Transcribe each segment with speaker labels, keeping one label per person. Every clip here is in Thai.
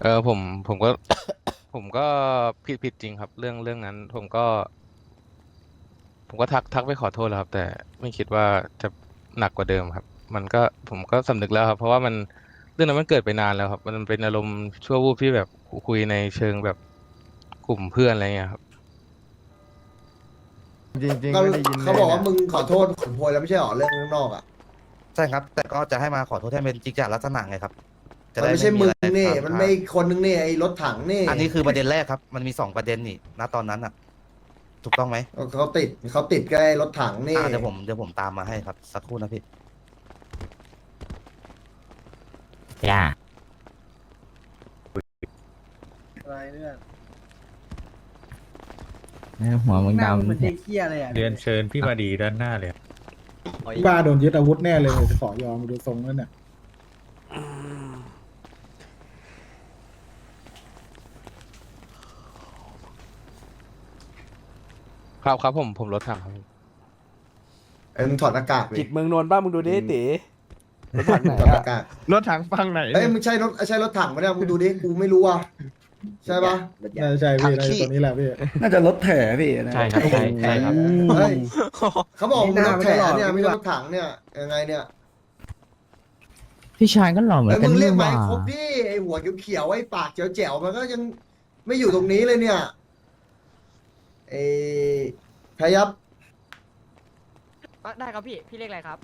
Speaker 1: ผมก็ผมก็ผิดจริงครับเรื่องนั้นผมก็ทักไปขอโทษแล้วครับแต่ไม่คิดว่าจะหนักกว่าเดิมครับมันก็ผมก็สำนึกแล้วครับเพราะว่ามันเรื่องนั้นมันเกิดไปนานแล้วครับมันเป็นอารมณ์ชั่ววูบที่แบบคุยในเชิงแบบกลุ่มเพื่อนอะไรเงี้ยครับ
Speaker 2: จริง
Speaker 3: ก็
Speaker 2: ๆไม่ได้ยินเล
Speaker 3: เขาบอกว่า
Speaker 2: ยเนี่ย
Speaker 3: มึงขอโทษขนโพยแล้วไม่ใช่หรอเรื่องข้างนอกอ่ะ
Speaker 4: ใช่ครับแต่ก็จะให้มาขอโทษให้เป็นจิกจาลักษณะไงครับจะ
Speaker 3: มันไม่
Speaker 4: ได้ไม่มีอะ
Speaker 3: ใช่มึงนี่
Speaker 4: ไรค้าง
Speaker 3: มัน
Speaker 4: คา
Speaker 3: ไม่คนนึงนี่ไอ้รถถังนี่
Speaker 4: อันนี้คือประเด็นแรกครับมันมี2 ประเด็นนี่ณตอนนั้นอ่ะถูกต้องไหม
Speaker 3: เขาติดก็ไอ้รถถังนี่
Speaker 4: เดี๋ยวผมตามมาให้ครับสักครู่นะพี่
Speaker 5: ย่า
Speaker 6: อะไรเนี่ย
Speaker 5: หัวมึง
Speaker 6: หน้า
Speaker 5: ดำ
Speaker 6: เหมือนเด็กเหี้ยเลยอ่ะ
Speaker 7: เรียนเชิญพี่มาดีด้านหน้าเลย
Speaker 2: บ้าโดนยึดอาวุธแน่เลยขอยอมดูทรงแล้วเนี่ย
Speaker 1: ครับผมรถถังครับ
Speaker 3: ไอ้มึงถอดหน้ากากดิ
Speaker 8: จิตเมืองนนท์บ้างมึงดูดิตีรถถังไหน
Speaker 3: ถอดห
Speaker 8: อะ
Speaker 3: น้ากาก
Speaker 2: รถถังฟังไหน
Speaker 3: เอ้ยมึงใช่รถถังไหมเนี่ยมึงดูดิกูไม่รู้อ่ะใช่ปะ
Speaker 2: น่าจะใช่พี่น่าจะตัวนี้แหละพี่
Speaker 9: น่าจะรถแถพี่นะ
Speaker 5: ใช่ครับใช่ครับ
Speaker 3: เฮ้ยเขาบอกมึงรถแถเนี่ยไม่ใช่รถถังเนี่ยยังไงเนี่ย
Speaker 5: พี่ชายก็หล่อเหมือ
Speaker 3: เอ้ย
Speaker 5: นกั
Speaker 3: มึ
Speaker 5: น
Speaker 3: งเรี
Speaker 5: นี่
Speaker 3: ยก
Speaker 5: ห
Speaker 3: มา
Speaker 5: ว่า
Speaker 3: ให้ครบดิไอ้หัวเขียวๆไอ้ปากแจ๋วๆมันก็ยังไม่อยู่ตรงนี้เลยเนี่ยไอ้พยับ
Speaker 6: ได้ครับพี่เรียกอะไรครับ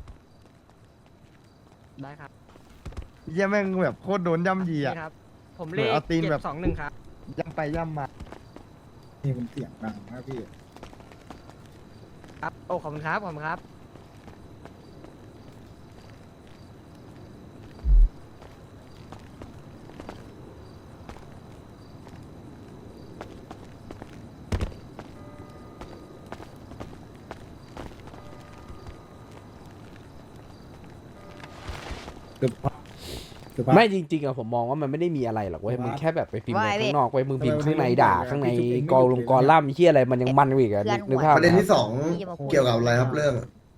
Speaker 6: ได้ครับ
Speaker 2: เยี่ยแม่งแบบโคตรโดนย่ำยีอ่ะ
Speaker 6: นี่ครับ ผม
Speaker 2: เหมื
Speaker 6: เล
Speaker 2: อน
Speaker 6: ข
Speaker 2: เอาตีนแบบ
Speaker 6: 721ครับ
Speaker 2: ย่ำไปย่ำมา นี่มันเสียงดังนะพี่
Speaker 6: ครับโอ้ขอบคุณครับขอบคุณครับ
Speaker 8: ไม่จริงๆอะผมมองว่ามันไม่ได้มีอะไรหรอกเว้ยมึงแค่แบบไปพิมพ์ข้างนอกเว้ยมึงพิมพ์ข้างในด่าข้างในกอลงกอล่ำเฮียอะไรมันยังมันกว่าอีกอะนึกภาพ
Speaker 3: ประเด็นที่
Speaker 8: ไหม
Speaker 3: สองเกี่ยวกับอะไรครับเรื่อง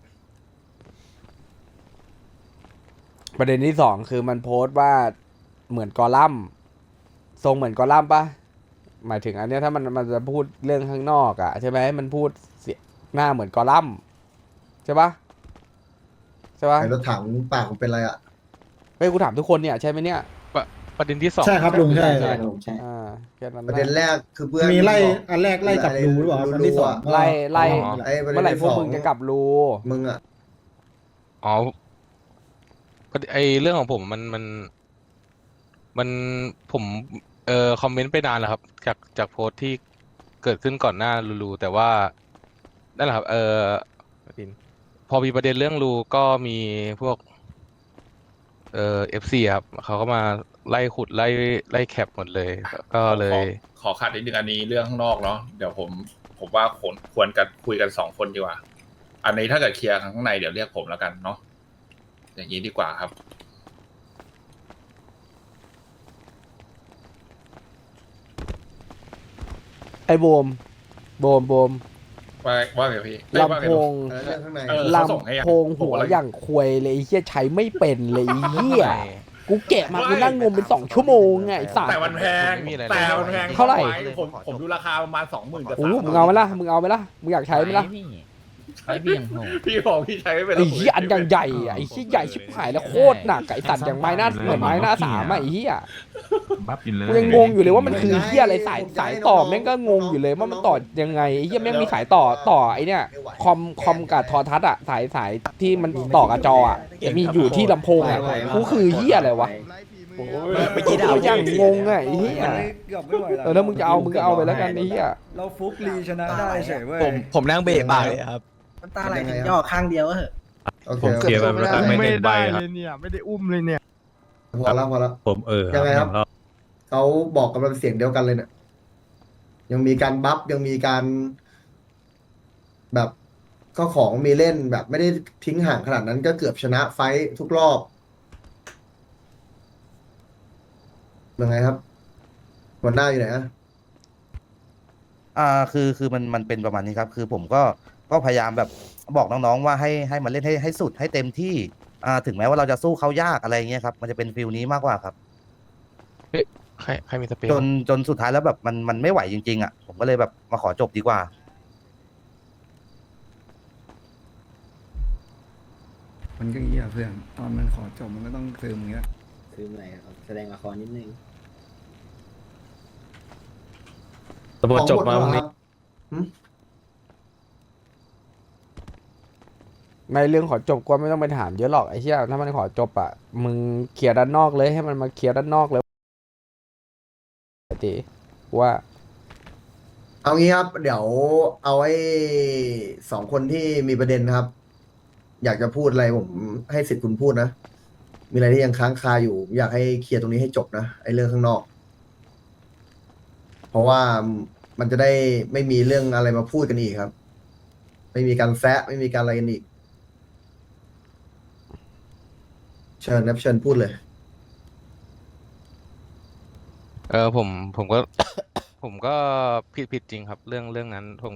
Speaker 8: ประเด็นที่สองคือมันโพสต์ว่าเหมือนกอลัมน์ทรงเหมือนกอลัมน์ปะหมายถึงอันเนี้ยถ้ามันจะพูดเรื่องข้างนอกอะใช่ไหมมันพูดเสียหน้าเหมือนกอลัมน์ใช่ปะใช่ปะ
Speaker 3: ไอ้รถถังปากมันเป็นอะไรอ่ะ
Speaker 8: เฮ้ยกูถามทุกคนเนี่ยใช่ไหมเนี่ย
Speaker 1: ประเด็นที่สอง
Speaker 2: ใช่ครับลุงใช่
Speaker 9: ใช่ครับผมใช่
Speaker 8: แค่นั้น
Speaker 3: ประเด็นแรกคือเพื่อน
Speaker 2: มีไล่อันแรกไล่กับรูหรือเปล่าอันที่สอง
Speaker 8: ไล่
Speaker 3: ไอ้ประเด็
Speaker 8: เมื่อน ไหร่
Speaker 3: ที่
Speaker 8: พวก
Speaker 3: สอง
Speaker 8: มึงจะกลับรู
Speaker 3: มึงอ่ะ
Speaker 1: อ๋อไอเรื่องของผมมันผมคอมเมนต์ไปนานแล้วครับจากโพสต์ที่เกิดขึ้นก่อนหน้าลูแต่ว่านั่นแหละครับพอมีประเด็นเรื่องลูก็มีพวกFC ครับเขาก็มาไล่ขุดไล่แคปหมดเลยก็เลย
Speaker 7: ขอขัดนิดนึงอันนี้เรื่องข้างนอกเนาะเดี๋ยวผมว่าควรกันคุยกัน2 คนดีกว่า อันนี้ถ้าเกิดเคลียร์ข้างในเดี๋ยวเรียกผมแล้วกันเนาะอย่างนี้ดีกว่าครับ
Speaker 8: ไอ้โบม
Speaker 7: ว่าไงพี่เอ้ยว่า
Speaker 8: ลำ
Speaker 7: ไง
Speaker 8: โพ
Speaker 7: ลูก
Speaker 8: ง
Speaker 3: เรื่องข้างใน
Speaker 8: ล
Speaker 7: ส่งให้ยัง
Speaker 8: ำโพงหัวอย่างควยเลยไอ้เหี้ยใช้ไม่เป็นเลยไอ้เหี้ยกูแกะมากูนั่งงมเป็น2 ชั่วโมงไงไอ้สัต
Speaker 7: แต่
Speaker 8: ว์
Speaker 7: มันแพง
Speaker 1: ไม่มีอะไรเลย
Speaker 7: แต่มันแพง
Speaker 8: เท่าไหร่
Speaker 7: ผมดูราคาประมาณ 20,000กับ
Speaker 8: โอ้มึงเอาไหมล่ะมึงเอาไหมล่ะมึงอยากใช้ไหมล่ะ
Speaker 5: ใช้พี่ยังโหด
Speaker 7: พี่บอกพี่ใช้ไม่เป็น
Speaker 8: ไอ้เหี้ยอันอย่างใหญ่อะไอ้เหี้ยใหญ่ชิบหายแล้วโคตรหนักไอ้สัตว์อย่างไม้หน้าเหมือนไม้หน้าสามอะไอ้เหี้ย
Speaker 5: บัฟอยู่เลย
Speaker 8: กูยังงงอยู่เลยว่ามันคือเหี้ยอะไรสายต่อแม่งก็งงอยู่เลยว่ามันต่อยังไงไอ้เหี้ยแม่งมีสายต่อไอ้เนี่ยคอมกับโทรทัศน์อะสายที่มันต่อกับจออะมีอยู่ที่ลำโพงอะกูคือเหี้ยอะไรวะ
Speaker 4: เมื่อกี้ด่า
Speaker 8: กูยังงงอะไอ้เหี้ย
Speaker 9: เกือบไม่ไหวแล้ว
Speaker 8: ถ้ามึงจะเอามึงก็เอาไปแล้วกันไอ้เหี้ย
Speaker 9: เราฟุกลีชนะได้เฉยเว้ย
Speaker 4: ผมนั่งเบะปากเลยครับ
Speaker 6: น้ำตาไหลถึงย่อข้างเดียวก็เหอะ
Speaker 3: โอเค
Speaker 7: ผมเคลียร์ไปแล้วกันไม่
Speaker 2: ไม่
Speaker 7: ถึงใบ
Speaker 2: ได้
Speaker 7: ครับ
Speaker 2: เลยเนี่ยไม่ได้อุ้มเลยเนี่ย
Speaker 3: พอแล้ว
Speaker 7: ผม
Speaker 3: ยังไงครับ เขาบอกกันเป็นเสียงเดียวกันเลยเนี่ยยังมีการบัฟยังมีการแบบก็ของมีเล่นแบบไม่ได้ทิ้งห่างขนาดนั้นก็เกือบชนะไฟท์ทุกรอบยังไงครับหัวหน้าอยู่ไหนอะ
Speaker 4: คือมันเป็นประมาณนี้ครับ คือผมก็พยายามแบบบอกน้องๆว่าให้มันเล่นให้สุดให้เต็มที่ถึงแม้ว่าเราจะสู้เขายากอะไรเงี้ยครับมันจะเป็นฟิลนี้มากกว่าครับ
Speaker 1: ใครมีสเปรย์
Speaker 4: จ
Speaker 1: บ้าง
Speaker 4: จนสุดท้ายแล้วแบบมันไม่ไหวจริงๆอ่ะผมก็เลยแบบมาขอจบดีกว่า
Speaker 9: มันก็อย่างเงี้ยเพื่อนตอนมันขอจบมันก็ต้องซึมอย่างเงี้ย
Speaker 6: คืออะไรครับแสดงละครนิดนึง
Speaker 3: ตำรวจจบมาครับ
Speaker 8: ไม่เรื่องขอจบก็ไม่ต้องไปถามเยอะหรอกไอ้เชี่ยถ้ามันขอจบอ่ะมึงเคลียร์ด้านนอกเลยให้มันมาเคลียร์ด้านนอกเลยตีว่า
Speaker 3: เอางี้ครับ เดี๋ยวเอาไอ้สองคนที่มีประเด็นนะครับ อยากจะพูดอะไรผมให้สิทธิ์คุณพูดนะ มีอะไรที่ยังค้างคาอยู่ผมอยากให้เคลียร์ตรงนี้ให้จบนะไอ้เรื่องข้างนอก เพราะว่ามันจะได้ไม่มีเรื่องอะไรมาพูดกันอีกครับ ไม่มีการแซะไม่มีการอะไรกันอีก เชิญนะเชิญพูดเลย
Speaker 1: ผมก็ ผมก็ผิดจริงครับ เรื่องนั้น ผม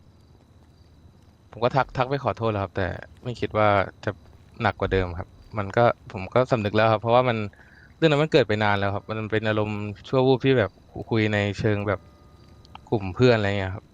Speaker 1: ก็ทักไปขอโทษแล้วครับ แต่ไม่คิดว่าจะหนักกว่าเดิมครับ ผมก็สำนึกแล้วครับ เพราะว่าเรื่องนั้นมันเกิดไปนานแล้วครับ มันเป็นอารมณ์ชั่ววูบที่แบบคุยในเชิงแบบกลุ่มเพื่อนอะไรเงี้ยครับ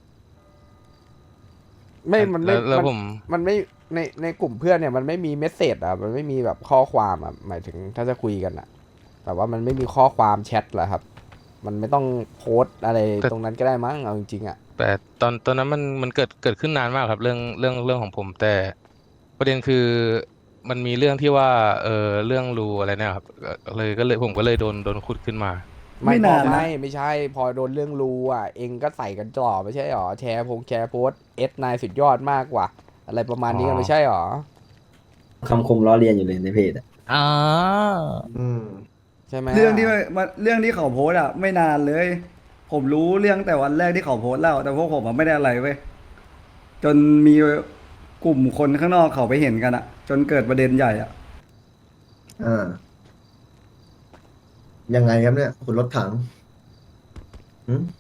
Speaker 8: มันไม่
Speaker 1: แล้วผม
Speaker 8: มันไม่ในกลุ่มเพื่อนเนี่ยมันไม่มีเมสเซจอ่ะมันไม่มีแบบข้อความอ่ะหมายถึงถ้าจะคุยกันอ่ะแต่ว่ามันไม่มีข้อความแชทเหรอครับ มันไม่ต้องโพสต์อะไรตรงนั้นก็ได้มั้งเอาจริงๆอ่ะ
Speaker 1: แต่ตอนนั้นมันเกิดขึ้นนานมากครับเรื่องของผม แต่ประเด็นคือมันมีเรื่องที่ว่าเรื่องรูอะไรเนี่ยครับก็เลยผมก็เลยโดนขุดขึ้นมา
Speaker 9: ไม่นานนะ
Speaker 8: ไม่ใช่พอโดนเรื่องรูอ่ะเองก็ใส่กันจ่อไม่ใช่หรอแชร์โพสนายสุดยอดมากกว่า อะไรประมาณนี้กันไม่ใช่หรอ
Speaker 6: คำคมล้อเลียนอยู่เลยในเพจอ่ะ
Speaker 5: อ๋อ
Speaker 3: อืม
Speaker 8: ใช่ไหม
Speaker 9: เรื่องที่เรื่องที่เขาโพสต์อ่ะไม่นานเลย ผมรู้เรื่องแต่วันแรกที่เขาโพสต์แล้ว แต่พวกผมอะไม่ได้อะไรเว้ยจนมีกลุ่มคนข้างนอกเขาไปเห็นกันอ่ะ จนเกิดประเด็นใหญ่อ่ะ
Speaker 3: อ่า ยังไงครับเนี่ย คุณรถถังหืม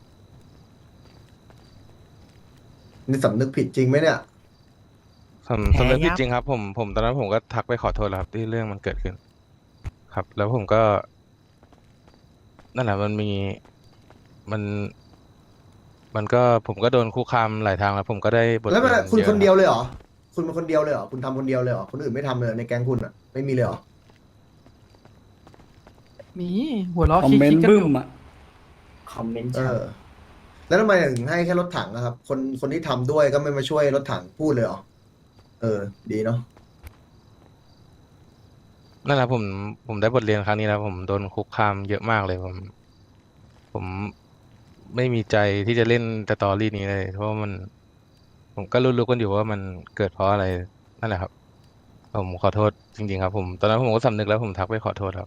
Speaker 3: นี่สำนึกผิดจริงไหมเนี่ย
Speaker 1: สำนึกผิดจริงครับผมตอนนั้นผมก็ทักไปขอโทษแล้วครับที่เรื่องมันเกิดขึ้น ครับ แล้วผมก็ นั่นแหละมันก็ผมก็โดนคุกคามหลายทางแล้วผมก็ได้บท
Speaker 3: แล้วมัน
Speaker 1: เรียน
Speaker 3: คุณ
Speaker 1: เยอะ
Speaker 3: คนเดี
Speaker 1: ค
Speaker 3: ยว
Speaker 1: รับ
Speaker 3: เลยเหรอ คุณเป็นคนเดียวเลยเหรอ คุณทำคนเดียวเลยเหรอ คนอื่นไม่ทำเลยเหรอในแก๊งคุณอ่ะ ไม่มีเลยเหรอ
Speaker 6: มีหัวล้อ
Speaker 9: คอมเมนต์บึ้มอ่ะ
Speaker 6: คอมเมนต์
Speaker 3: เออ แล้วทำไมถึงให้แค่รถถังนะครับ คนที่ทำด้วยก็ไม่มาช่วยรถถังพูดเลยเหรอ เออ ดีเนาะ
Speaker 1: นั่นแหละผมได้บทเรียนครั้งนี้แล้วผมโดนคุกคามเยอะมากเลยผมไม่มีใจที่จะเล่นสตอรี่นี้เลย เพราะว่าผมก็รู้กันอยู่ว่ามันเกิดเพราะอะไรนั่นแหละครับ ผมขอโทษจริงๆครับตอนนั้นผมก็สำนึกแล้วผมทักไปขอโทษครับ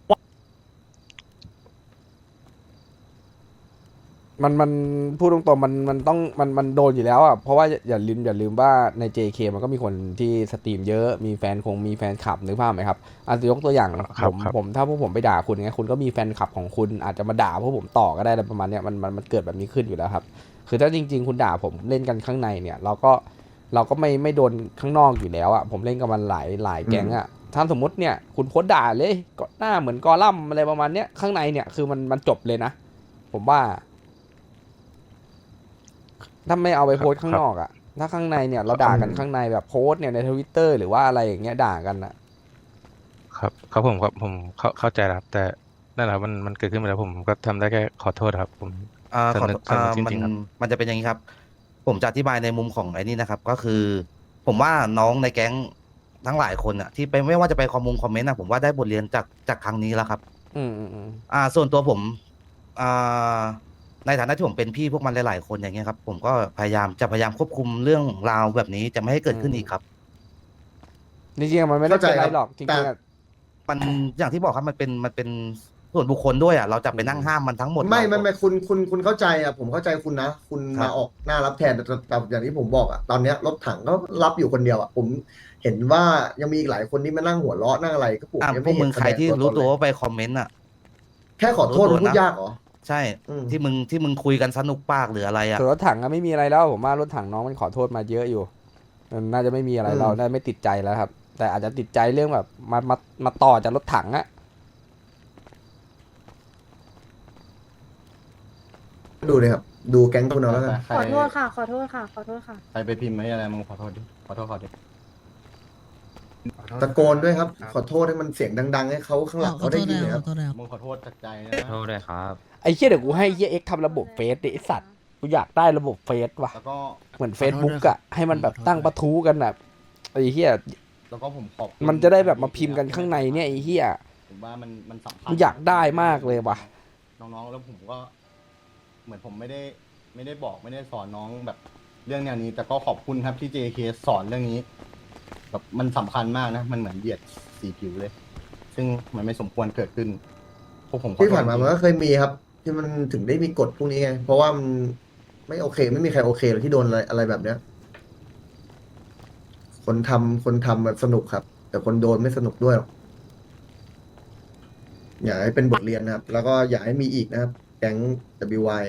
Speaker 8: มันพูดตรงๆมันต้องมันโดนอยู่แล้วอ่ะเพราะว่าอย่าลืมว่าใน JK มันก็มีคนที่สตรีมเยอะมีแฟนคลับนึกภาพไหมครับยกตัวอย่าง
Speaker 1: ครับ
Speaker 8: ผมถ้าพวกผมไปด่าคุณไงคุณก็มีแฟนคลับของคุณอาจจะมาด่าพวกผมต่อก็ได้อะไรประมาณเนี้ยมันเกิดแบบนี้ขึ้นอยู่แล้วครับคือถ้าจริงๆคุณด่าผมเล่นกันข้างในเนี่ยเราก็ไม่โดนข้างนอกอยู่แล้วอ่ะผมเล่นกับมันหลายแก๊งอ่ะถ้าสมมติเนี่ยคุณโพสต์ด่าเลยก็หน้าเหมือนกอลัมน์อะไรประมาณเนี้ยข้างในเนี่ยคือมันจบเลยนะผมว่าถ้าไม่เอาไปโพสต์ข้างนอกอะถ้าข้างในเนี่ยเราด่ากันข้างในแบบโพสต์เนี่ยในTwitter หรือว่าอะไรอย่างเงี้ยด่ากันอะ
Speaker 1: ครับผมเข้าใจแล้วครับแต่นั่นแหละมันเกิดขึ้นไปแล้วผมก็ทำได้แค่ขอโทษครับ ผม
Speaker 4: ขอ
Speaker 1: สำนึกจริงๆครับ
Speaker 4: มันจะเป็นอย่างนี้ครับ ผมจะอธิบายในมุมของไอ้นี่นะครับ ก็คือ ผมว่าน้องในแก๊งทั้งหลายคนอ่ะที่ไปไม่ว่าจะไปคอมเมนต์อ่ะผมว่าได้บทเรียนจากครั้งนี้แล้วครับ
Speaker 8: อืม
Speaker 4: ส่วนตัวผมในฐานะที่ผมเป็นพี่พวกมันหลายๆคนอย่างเงี้ยครับ ผมก็พยายามควบคุมเรื่องราวแบบนี้จะไม่ให้เกิดขึ้นอีกครับ
Speaker 8: จริงๆมันไม่ได้เป็นอะไรหรอกจ
Speaker 3: แต่
Speaker 8: ริงๆอะ
Speaker 4: มันอย่างที่บอกครับมันเป็นส่วนบุคคลด้วยอ่ะเราจะไปนั่งห้ามมันทั้งหมด
Speaker 3: ไม่
Speaker 4: เราก็
Speaker 3: คุณเข้าใจอ่ะ ผมเข้าใจคุณนะ คุณ
Speaker 4: ครั
Speaker 3: มา
Speaker 4: บ
Speaker 3: ออกหน้ารับแทนแต่อย่างที่ผมบอกอ่ะ ตอนเนี้ยรถถังก็รับอยู่คนเดียวอ่ะ ผมเห็นว่ายังมีอีกหลายคนที่มานั่งหัวเราะนั่งอะไรก็ผมยัง
Speaker 4: พว
Speaker 3: ไม่
Speaker 4: ก
Speaker 3: เห็
Speaker 4: มึ
Speaker 3: น
Speaker 4: งใครที่รู้ตัวว่าไปคอมเมนต์อ่ะ
Speaker 3: แค่ขอโทษ
Speaker 4: รู้
Speaker 3: มัน
Speaker 4: ตัว
Speaker 3: พู
Speaker 4: นะ
Speaker 3: ดยากเหรอ
Speaker 4: ใช่
Speaker 3: อืม
Speaker 4: ที่มึงคุยกันสนุกปากหรืออะไรอ่ะ
Speaker 8: ส่วนรถถังก็ไม่มีอะไรแล้วผมว่ารถถังน้องมันขอโทษมาเยอะอยู่มันน่าจะไม่มีอะไรเราได้ไม่ติดใจแล้วครับ แต่อาจจะติดใจเรื่องแบบมาต่อจากรถถังอะ
Speaker 3: ดูเลยครับ ดูแก๊งคุณเอาแล้วกัน
Speaker 10: ขอโทษค่ะ ขอโทษค่ะ ขอโทษค่ะ
Speaker 6: ใครไปพิมพ์ไม่อะไรมึงขอโทษดิขอโทษเขาดิ
Speaker 3: ตะโกนด้วยครับ ขอโทษให้มันเสียงดังๆให้เขาข้างหลังเขาได้ยินเลยครับ
Speaker 6: มึงขอโทษจากใจนะ
Speaker 5: โทษเลยครับ
Speaker 8: ไอ้เหี้ยเดี๋ยวกูให้เหี้ยเอ็กทำระบบเฟซดิไอ้สัตว์กูอยากได้ระบบเฟซว่ะ
Speaker 6: แล้วก็
Speaker 8: เหมือน Facebook อะให้มันแบบตั้งประทูกันอะไอ้เหี้ย
Speaker 6: แล้วก็ผมขอบ
Speaker 8: มันจะได้แบบมาพิมพ์กันข้างในเนี่ยไอ้เหี้ย
Speaker 6: ผมว่ามันสำคัญ
Speaker 8: กูอยากได้มากเลยว่ะ
Speaker 6: น้องๆแล้วผมก็ เหมือนผมไม่ได้บอกไม่ได้สอนน้องแบบเรื่องแนวนี้ แต่ก็ขอบคุณครับที่ JK สอนเรื่องนี้แบบมันสำคัญมากนะ มันเหมือนเหยียดสีผิวเลย ซึ่งมันไม่สมควรเกิดขึ้นพวกผมขอโทษ
Speaker 3: ที่ผ่านมา
Speaker 6: จริงๆ
Speaker 3: มันก็เคยมีครับ ที่มันถึงได้มีกฎพวกนี้ไง เพราะว่ามันไม่โอเค ไม่มีใครโอเคเลยที่โดนอะไรแบบเนี้ย คนทำแบบสนุกครับ แต่คนโดนไม่สนุกด้วยหรอกอยากให้เป็นบทเรียนนะครับ แล้วก็อยากให้มีอีกนะครับ แก๊ง WY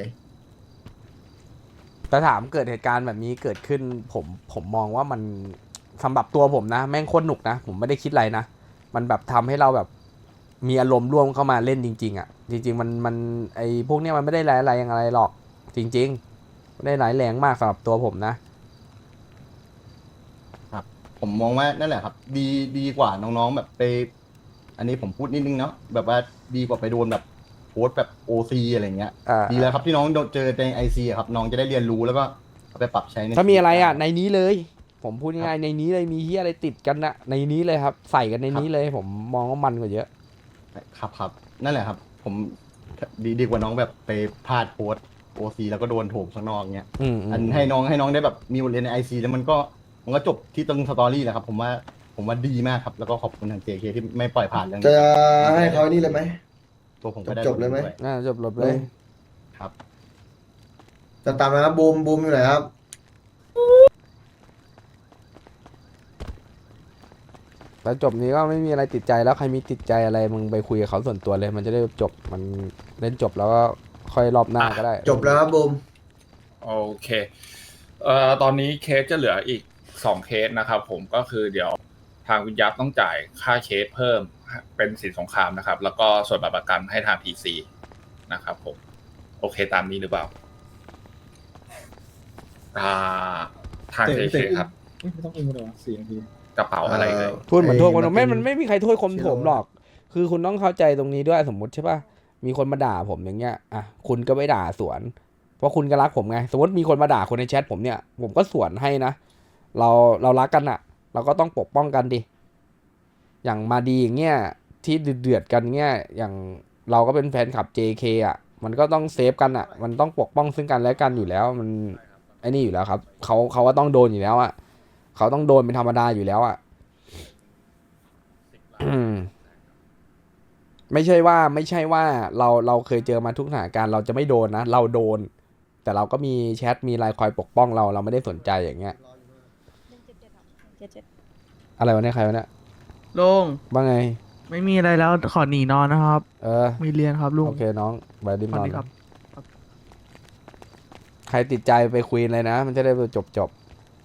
Speaker 8: แต่ถามเกิดเหตุการณ์แบบนี้เกิดขึ้นผมมองว่ามันสำหรับตัวผมนะ แม่งโคตรหนุกนะ ผมไม่ได้คิดอะไรนะ มันแบบทำให้เราแบบมีอารมณ์ร่วมเข้ามาเล่นจริงๆอ่ะ จริงๆมันไอพวกเนี้ยมันไม่ได้ร้ายอะไรอย่างไรหรอก จริงๆไม่ได้ร้ายแรงมากสำหรับตัวผมนะ
Speaker 6: ผมมองว่านั่นแหละครับ ดีกว่าน้องๆแบบไป อันนี้ผมพูดนิดนึงเนาะแบบว่าดีกว่าไปโดนแบบโพสต์แบบโอซีอะไรเงี้ย ดีแล้วครับที่น้องเจอในไอซีครับน้องจะได้เรียนรู้แล้วก็เอาไปปรับใช้ใน
Speaker 8: ถ้ามีอะไรอ่ะในนี้เลย ผมพูดง่ายๆในนี้เลยมีเฮียอะไรติดกันนะในนี้เลยครับ ใส่กันในนี้เลย ผมมองว่ามันกว่าเยอะ
Speaker 6: ครับนั่นแหละครับ ผมดีกว่าน้องแบบไปพลาดโพสโอซีแล้วก็โดนโถมข้างนอกเงี้ย อันให้น้องได้แบบมีบทเรียนในไอซีแล้วมันก็จบที่ตรงสตอรี่แหละครับ ผมว่าดีมากครับ แล้วก็ขอบคุณทาง JK ที่ไม่ปล่อยผ่านเรื่องนี้
Speaker 3: จะให้เขานี่เลยไหม
Speaker 6: ตัวผมก็ได้
Speaker 3: จบเลยไหม
Speaker 6: ด้วย
Speaker 8: จบลบเลย
Speaker 6: ครับ
Speaker 3: จะตามนะครับบูมอยู่ไหนครับ
Speaker 8: แล้วจบนี้ก็ไม่มีอะไรติดใจแล้วใครมีติดใจอะไรมึงไปคุยกับเขาส่วนตัวเลย มันจะได้จบมันเล่นจบแล้วก็ค่อยรอบหน้าก็ได้
Speaker 3: จบแล้วครับบูม
Speaker 7: โอเคตอนนี้เคสจะเหลืออีก2เคสนะครับผมก็คือเดี๋ยวทางวิญญาณต้องจ่ายค่าเคสเพิ่มเป็นสินสงครามนะครับ แล้วก็ส่วนบัตรประกันให้ทาง PC นะครับผมโอเคตามนี้หรือเปล่าทาง JK ครับ
Speaker 2: ไม่ต้องอุ้มเลยว่ะ4 นาที
Speaker 7: กระเป๋าอะไรเลย
Speaker 8: พูดเหมือนโทษคน
Speaker 3: ไอ้
Speaker 8: มันไม่มีใครโทษคนผมหรอก คือคุณต้องเข้าใจตรงนี้ด้วยสมมติใช่ป่ะมีคนมาด่าผมอย่างเงี้ยอ่ะคุณก็ไม่ด่าสวน เพราะคุณก็รักผมไงสมมติมีคนมาด่าคนในแชทผมเนี่ยผมก็สวนให้นะเรารักกันอะเราก็ต้องปกป้องกันดิอย่างมาดีอย่างเงี้ยที่เดือดกันเงี้ยอย่างเราก็เป็นแฟนคลับ JK อะมันก็ต้องเซฟกันอะมันต้องปกป้องซึ่งกันและกันอยู่แล้วมันไอ้นี่อยู่แล้วครับเขาก็ต้องโดนอยู่แล้วอะเขาต้องโดนเป็นธรรมดาอยู่แล้วอะ ไม่ใช่ว่าเราเคยเจอมาทุกสถานการณ์เราจะไม่โดนนะเราโดน แต่เราก็มีแชทมีไลน์คอยปกป้องเราไม่ได้สนใจอย่างเงี้ยอะไรวะเนี่ยใครวะเนี่ย
Speaker 11: ลุง
Speaker 8: ว่าไง
Speaker 11: ไม่มีอะไรแล้วขอหนีนอนนะครับ มีเรียนครับลุง
Speaker 8: โอเคน้องไปดิม
Speaker 11: สวัน ส
Speaker 8: อน
Speaker 11: ดีครับ
Speaker 8: ใครติดใจไปคุยเลยนะ มันจะได้จบ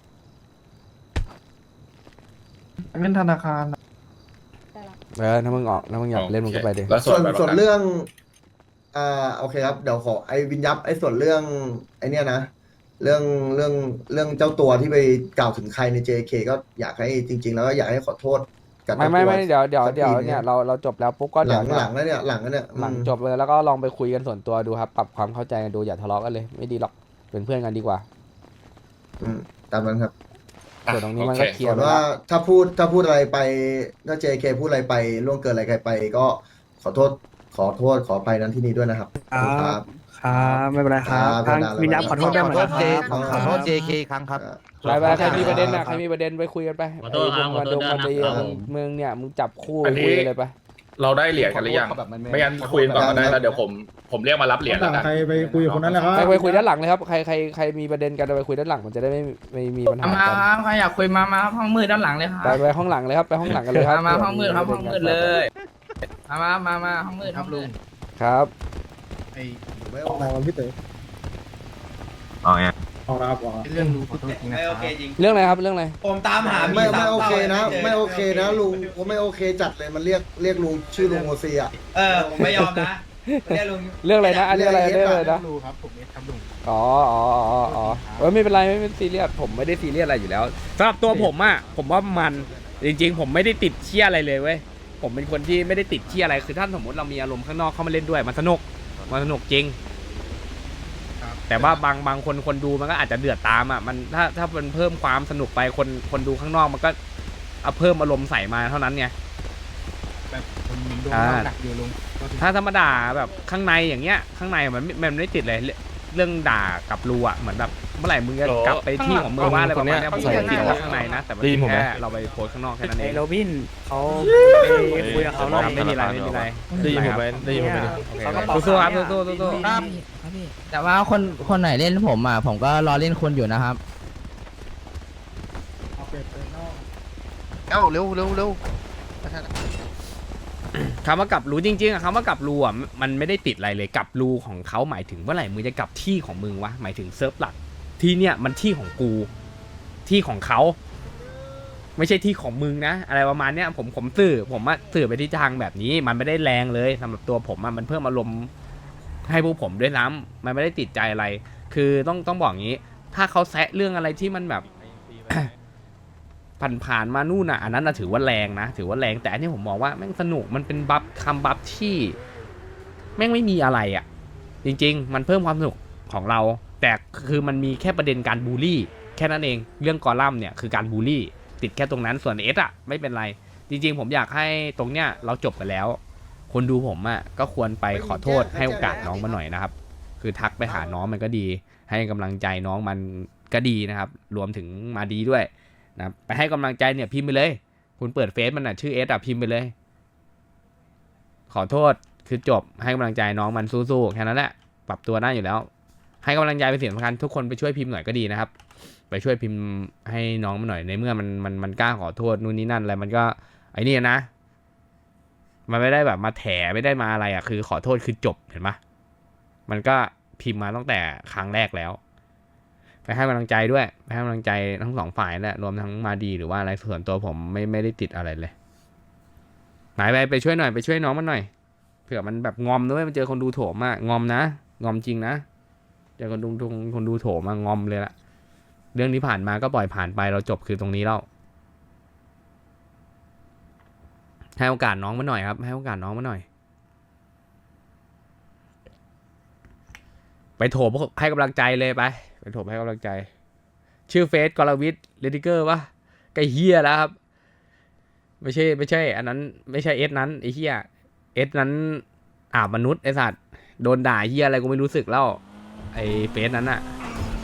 Speaker 11: เป็นธนาคาร
Speaker 8: ถ้ามึงออกถ้ามึงอยากเล่นมึงก็ไปดิ
Speaker 7: แล้วส่
Speaker 3: ส่
Speaker 7: ว
Speaker 3: วน น
Speaker 7: บัตรป
Speaker 3: ส่ว
Speaker 7: ระ
Speaker 3: น
Speaker 7: กัน
Speaker 3: เรื่องโอเคครับ เดี๋ยวขอไอ้วินยับไอ้ส่วนเรื่องไอ้เนี่ยนะ เรื่องเจ้าตัวที่ไปกล่าวถึงใครใน JK ก็อยากให้จริง ๆ แล้วก็อยากให้ขอโทษกับ
Speaker 8: ไม่
Speaker 3: เจ้าตัว
Speaker 8: เดี๋ยว
Speaker 3: สักที
Speaker 8: เนี่ยเราจบแล้วปุ๊บก็
Speaker 3: ห
Speaker 8: เดี๋
Speaker 3: ลั
Speaker 8: ยว
Speaker 3: ง
Speaker 8: เนี่ย
Speaker 3: หลังแล้วเนี่ยหลังแล้วเนี่ย
Speaker 8: หลังจบเลยแล้วก็ลองไปคุยกันส่วนตัวดูครับ ปรับความเข้าใจกันดูอย่าทะเลาะกันเลยไม่ดีหรอกเป็นเพื่อนกันดีกว่า
Speaker 3: ตามนั้นครับ
Speaker 8: ส่วนตรงนี้มันก็เคลีย
Speaker 3: ส่
Speaker 8: ร์
Speaker 3: วน
Speaker 8: ไป
Speaker 3: ว่า
Speaker 8: แล้ว
Speaker 3: ถ้าพูดอะไรไปถ้า JK พูดอะไรไปล่วงเกินอะไรใครไป ก็ขอโทษขอไปนั้นที่นี้ด้วยนะครับครับ
Speaker 11: ครับไม่เป็นไรครับ
Speaker 3: ครับ
Speaker 11: ทาง
Speaker 3: ได้
Speaker 11: วิญญาณขอโทษด้วยเหมือนกัน
Speaker 4: ขอโทษ JK ครั้งครับ
Speaker 8: ไปใครมีประเด็นใครมีประเด็นไปคุยกันไป
Speaker 5: ขอโทษครับ
Speaker 8: ไอ้พวกมันดี
Speaker 3: ครับ
Speaker 8: มึงเนี่ยมึงจับคู่
Speaker 7: อันนี้
Speaker 8: คุยเลยไป
Speaker 7: เราได้เหรียญกันหรือยังไม่งั้นคุยกันก่อนก็ได้แล้วเดี๋ยวผมเรียกมารับเหรียญแล้วกัน
Speaker 2: ใครไปคุยกับคนนั้นแหละครับ
Speaker 8: ไปคุยด้านหลังเลยครับใครมีประเด็นกันไปคุยด้านหลังมันจะได้ไม่มีปัญหา
Speaker 11: มา
Speaker 8: กัน
Speaker 11: ครับใครอยากคุยมาครับห้องมืดด้านหลังเลยครับ
Speaker 8: ไปห้องหลังเลยครับไปห้องหลังกันเลยครับ
Speaker 11: มาห้องมืดครับห้องมืดเลยมาห้องมืดครับลุง
Speaker 8: ครับ
Speaker 2: ออกมาวันพี่เต๋อ
Speaker 5: อ๋อไง
Speaker 2: ออกแล้วครับออกแล้ว
Speaker 11: เรื่องรู้ขอโทษจริงนะครับ
Speaker 8: เรื่องอะไรครับเรื่องอะไร
Speaker 6: ผมตามหา
Speaker 3: ไม่โอเคนะ ไม่โอเคนะลุงผมไม่โอเคจัดเลยมันเรียกลุงชื่อลุงโอซีอ่ะ
Speaker 6: ผมไม่ยอมนะ
Speaker 8: เรื่องอะไรนะอันนี้อะไรเรื่องอะไรนะ
Speaker 2: รู้ครับผมเอสครับลุง
Speaker 8: อ๋อไม่เป็นไรไม่เป็นซีเรียสผมไม่ได้ซีเรียสอะไรอยู่แล้วสำหรับตัวผมอะผมว่ามันจริงๆ ผมไม่ได้ติดเชี่ยอะไรเลยเว้ยผมเป็นคนที่ไม่ได้ติดเชี่ยอะไรคือถ้าสมมติเรามีอารมณ์ข้างนอกเข้ามาเล่นด้วยมันสนุกจริง แต่ว่าบางคนดูมันก็อาจจะเดือดตามอะมันถ้ามันเพิ่มความสนุกไปคนดูข้างนอกมันก็เอาเพิ่มอารมณ์ใส่มาเท่านั้นไง
Speaker 2: แบบผมโดนดักอยู่ลุง
Speaker 8: ถ้าธรรมดาแบบข้างในอย่างเงี้ยข้างในมันไม่ติดเลยเรื่องด่ากับรูอ่ะเหมือนแบบเมื่อไหร่มึงจะกลับไปที่ของมึงว่าอะไรประมาณเนี้ยผมจะติดข้างในนะแต่มันแค่เราไปโพสข้างนอกแค่นั้นเอง
Speaker 11: โรบินเขาไปคุยกับเขา
Speaker 8: ไม่มีไรได้ยินผมไหมสู้ๆครับสู้ๆ
Speaker 11: ครับพี่แต่ว่าคนไหนเล่นผมอ่ะผมก็รอเล่นคนอยู่นะครับ
Speaker 1: เอ้าเร็ว
Speaker 8: คำว่ากับรูจริงๆอะคำว่ากับรูอ่ะมันไม่ได้ติดอะไรเลยกับรูของเขาหมายถึงเมื่อไหร่มึงจะกลับที่ของมึงวะหมายถึงเซิร์ฟหลักที่เนี่ยมันที่ของกูที่ของเขาไม่ใช่ที่ของมึงนะอะไรประมาณเนี้ยผมสื่อไปที่ทางแบบนี้มันไม่ได้แรงเลยสำหรับตัวผมมันเพิ่มอารมณ์ให้พวกผมด้วยซ้ำมันไม่ได้ติดใจอะไรคือต้องบอกงี้ถ้าเขาแซะเรื่องอะไรที่มันแบบ ผ่านมานู่นน่ะอันนั้นถือว่าแรงนะถือว่าแรงแต่อันนี้ผมมองว่าแม่งสนุกมันเป็นคำบัฟที่แม่งไม่มีอะไรอ่ะจริงๆมันเพิ่มความสนุกของเราแต่คือมันมีแค่ประเด็นการบูลลี่แค่นั้นเองเรื่องกอลัมน์เนี่ยคือการบูลลี่ติดแค่ตรงนั้นส่วนเอสอ่ะไม่เป็นไรจริงๆผมอยากให้ตรงเนี้ยเราจบไปแล้วคนดูผมอ่ะก็ควรไปขอโทษให้โอกาสน้องมาหน่อยนะครับคือทักไปหาน้องมันก็ดีให้กำลังใจน้องมันก็ดีนะครับรวมถึงมาดีด้วยนะไปให้กำลังใจเนี่ยพิมพ์ไปเลยคุณเปิดเฟซมันชื่อเอสอ่ะพิมพ์ไปเลยขอโทษคือจบให้กำลังใจน้องมันสู้ๆแค่นั้นแหละปรับตัวได้อยู่แล้วให้กำลังใจเป็นสิ่งสำคัญทุกคนไปช่วยพิมพ์หน่อยก็ดีนะครับไปช่วยพิมพ์ให้น้องมันหน่อยในเมื่อมันกล้าขอโทษนู่นนี่นั่นอะไรมันก็ไอ้นี่นะมันไม่ได้แบบมาแถไม่ได้มาอะไรอ่ะคือขอโทษคือจบเห็นไหมมันก็พิมพ์มาตั้งแต่ครั้งแรกแล้วไปให้กำลังใจด้วยไปให้กำลังใจทั้งสองฝ่ายแหละรวมทั้งมาดีหรือว่าอะไรส่วนตัวผมไม่ได้ติดอะไรเลยหมายไปช่วยหน่อยไปช่วยน้องมันหน่อยเผื่อมันแบบงอมด้วยมันเจอคนดูโถมอะงอมนะงอมจริงนะเจอคนดูโถมงอมเลยละเรื่องที่ผ่านมาก็ปล่อยผ่านไปเราจบคือตรงนี้แล้วให้โอกาสน้องมันหน่อยครับให้โอกาสน้องมันหน่อยไปโถมให้กำลังใจเลยไปโถมให้กำลังใจชื่อเฟซกรวิทเลดิเกอร์ปะไอ้เฮียแล้วครับไม่ใช่อันนั้นไม่ใช่เอสนั้นไอ้เฮียเอสนั้นมนุษย์ไอ้สัตว์โดนด่าเฮียอะไรกูไม่รู้สึกแล้วไอ้เฟซนั้นอะ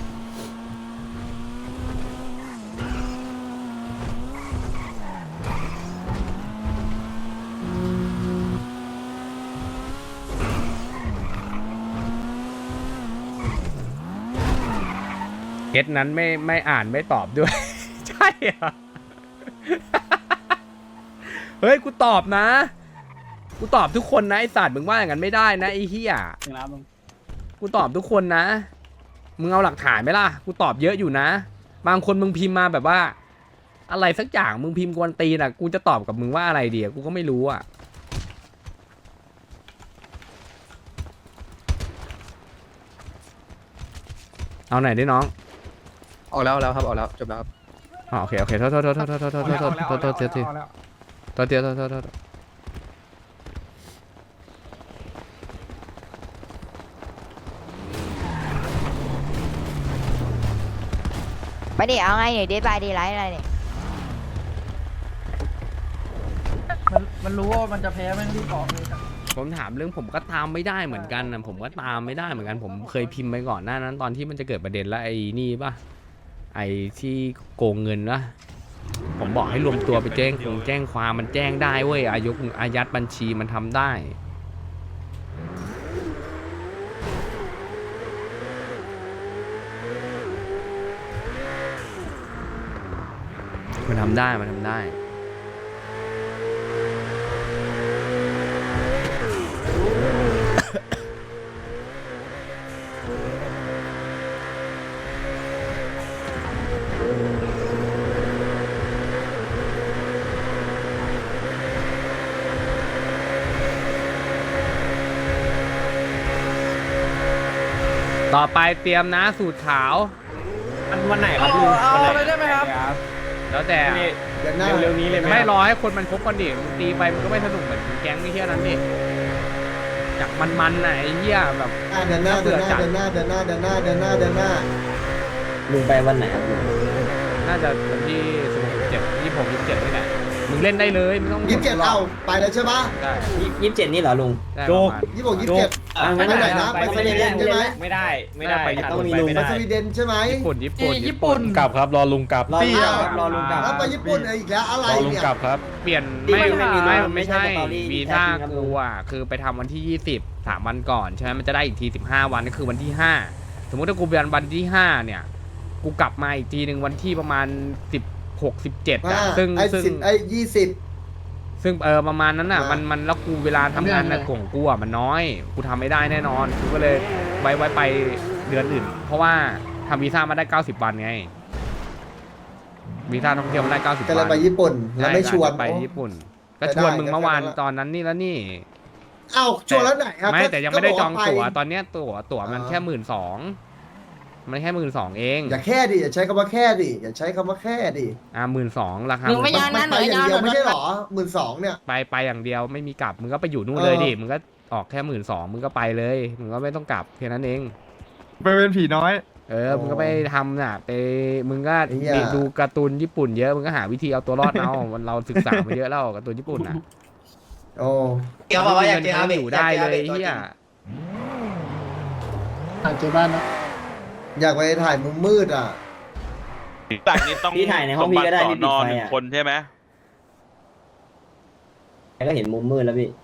Speaker 8: เอสนั้นไม่อ่านไม่ตอบด้วย ใช่เหรอ เฮ้ยกูตอบนะกูตอบทุกคนนะไอสัตว์มึงว่าอย่างนั้นไม่ได้นะไอเฮียกูตอบทุกคนนะมึงเอาหลักฐานไหมล่ะกูตอบเยอะอยู่นะบางคนมึงพิมพ์มาแบบว่าอะไรสักอย่างมึงพิมพ์กวนตีนอ่ะกูจะตอบกับมึงว่าอะไรดีกูก็ไม่รู้อ่ะเอาไหนดิน้อง
Speaker 11: ออกแล้วครับออกแล้วจบแล้วครับ
Speaker 8: โอเคโทษ
Speaker 10: ไปดิเอาไงเนี่ยเดทบายเดทไลท์อะไรเนี่ย
Speaker 11: มันรู้ว่ามันจะแพ้แม่งรีบบอกเลย
Speaker 8: ผมถามเรื่องผมก็ตามไม่ได้เหมือนกันนะผมก็ตามไม่ได้เหมือนกันผมเคยพิมพ์ไปก่อนหน้านั้นตอนที่มันจะเกิดประเด็นแล้วไอ้นี่ป่ะไอ้ที่โกงเงินนะผมบอกให้รวมตัวไปแจ้งความมันแจ้งได้เว้ยอายัดบัญชีมันทำได้มันทำได้ต่อไปเตรียมนะสูตรขาว
Speaker 11: วันไหนครับลุงเอาเลยได้ไหมครับ
Speaker 8: แล้วแต่
Speaker 3: เดือนหน้า
Speaker 11: เร็วๆนี้เลยไหม
Speaker 8: ไม่รอให้คนมันครบกันดิมึงตีไปมันก็ไม่สนุกเหมือนแก๊งนี่เที่ยนั้นดิอยากมันๆน่ะไอ้เหี้ยแบบ
Speaker 3: เดือนหน้า
Speaker 11: ลุงไปวันไหนครับลุง
Speaker 8: น่าจะวันที่16 17 26 27นี่แหละมึงเล่นได้เลยไม่ต้อง
Speaker 3: 27เอาไปแล้วใช่ปะ
Speaker 8: ได้
Speaker 11: 27นี่เหรอลุง
Speaker 8: ได้ประมาณ
Speaker 3: 26 27ไปไหนนะไปสวีเดนใช่ไหม
Speaker 11: ไม่ได้
Speaker 8: ไปญี่ปุ่น
Speaker 3: ไปสวีเดนใช่ไหม
Speaker 8: ญี่ปุ่น
Speaker 1: กลับครับรอลุงกลับ
Speaker 11: รอลุงกลับ
Speaker 3: แล้วไปญี่ปุ่นอีกแล้วอะไร
Speaker 1: รอลุง
Speaker 3: เนี่ย
Speaker 1: กลับครับ
Speaker 8: เปลี่ยน ไม่ใช่วีซ่ากูอ่ะคือไปทำวันที่20 3 วันก่อนใช่ไหมมันจะได้อีกที15 วันก็คือวันที่5สมมติถ้ากูเปลี่ยนวันที่5เนี่ยกูกลับมาอีกทีหนึ่งวันที่ประมาณ16 17อ่ะซึ่ง
Speaker 3: 20
Speaker 8: ซึ่งประมาณนั้นน่ะมันแล้วกูเวลาทำงานนะของกูอ่ะมันน้อยกูทำไม่ได้แน่นอนกูก็เลยไว้ไปเดือนอื่น เพราะว่าทำวีซ่ามาได้90 วันไงวีซ่าท่องเที่ยวมาได้90
Speaker 3: ก็เลย
Speaker 8: วัน
Speaker 3: ไปญี่ปุ่นแล้วไม่ชวน
Speaker 8: ไปญี่ปุ่นก็ชวนมึงเมื่อวานตอนนั้นนี่แล้วนี่
Speaker 3: เอ้าชวนแล้วไหนครับ
Speaker 8: ไม่แต่ยังไม่ได้จองตั๋ว
Speaker 3: ก็บกาไป
Speaker 8: ตอนเนี้ยตั๋วมันแค่12,000มันแค่12,000เอง
Speaker 3: อย่าแค่ดิอย่าใช้คำว่าแค่ดิอย่าใช้คำว่าแค่ดิ
Speaker 8: 12,000ราคา
Speaker 10: ลุงไม่ยอม
Speaker 3: มันไปอย่างเดียวไม่ใช่หรอ12,000เนี่ย
Speaker 8: ไปอย่างเดียวไม่มีกลับมึงก็ไปอยู่นู่นเลยดิมึงก็ออกแค่12,000มึงก็ไปเลยมึงก็ไม่ต้องกลับแค่นั้นเอง
Speaker 6: ไปเป็นผีน้อย
Speaker 8: มึงก็ไปทำน่ะไปมึงก็
Speaker 3: ไอ้เหี้ย
Speaker 8: ดูการ์ตูนญี่ปุ่นเยอะมึงก็หาวิธีเอาตัวรอดเอา เราศึกษามาเยอะแล้วการ์ตูนญี่ปุ่นน่ะ
Speaker 3: โอ้
Speaker 11: เกี่ยวบอกว่าอยากเจออาเบะ
Speaker 8: อยู่ได้เลยเฮีย
Speaker 3: อยากไปถ่ายมุมมืดอ่ะ
Speaker 5: จากนี้ต้อง
Speaker 11: พี่ถ่ายในห้องพี่ก็ได้พี่ปิดไฟ
Speaker 5: หนึ่ง
Speaker 11: อ่ะ
Speaker 5: คนใช่ไหม
Speaker 11: ก็เห็นมุมมืดแล้วพี่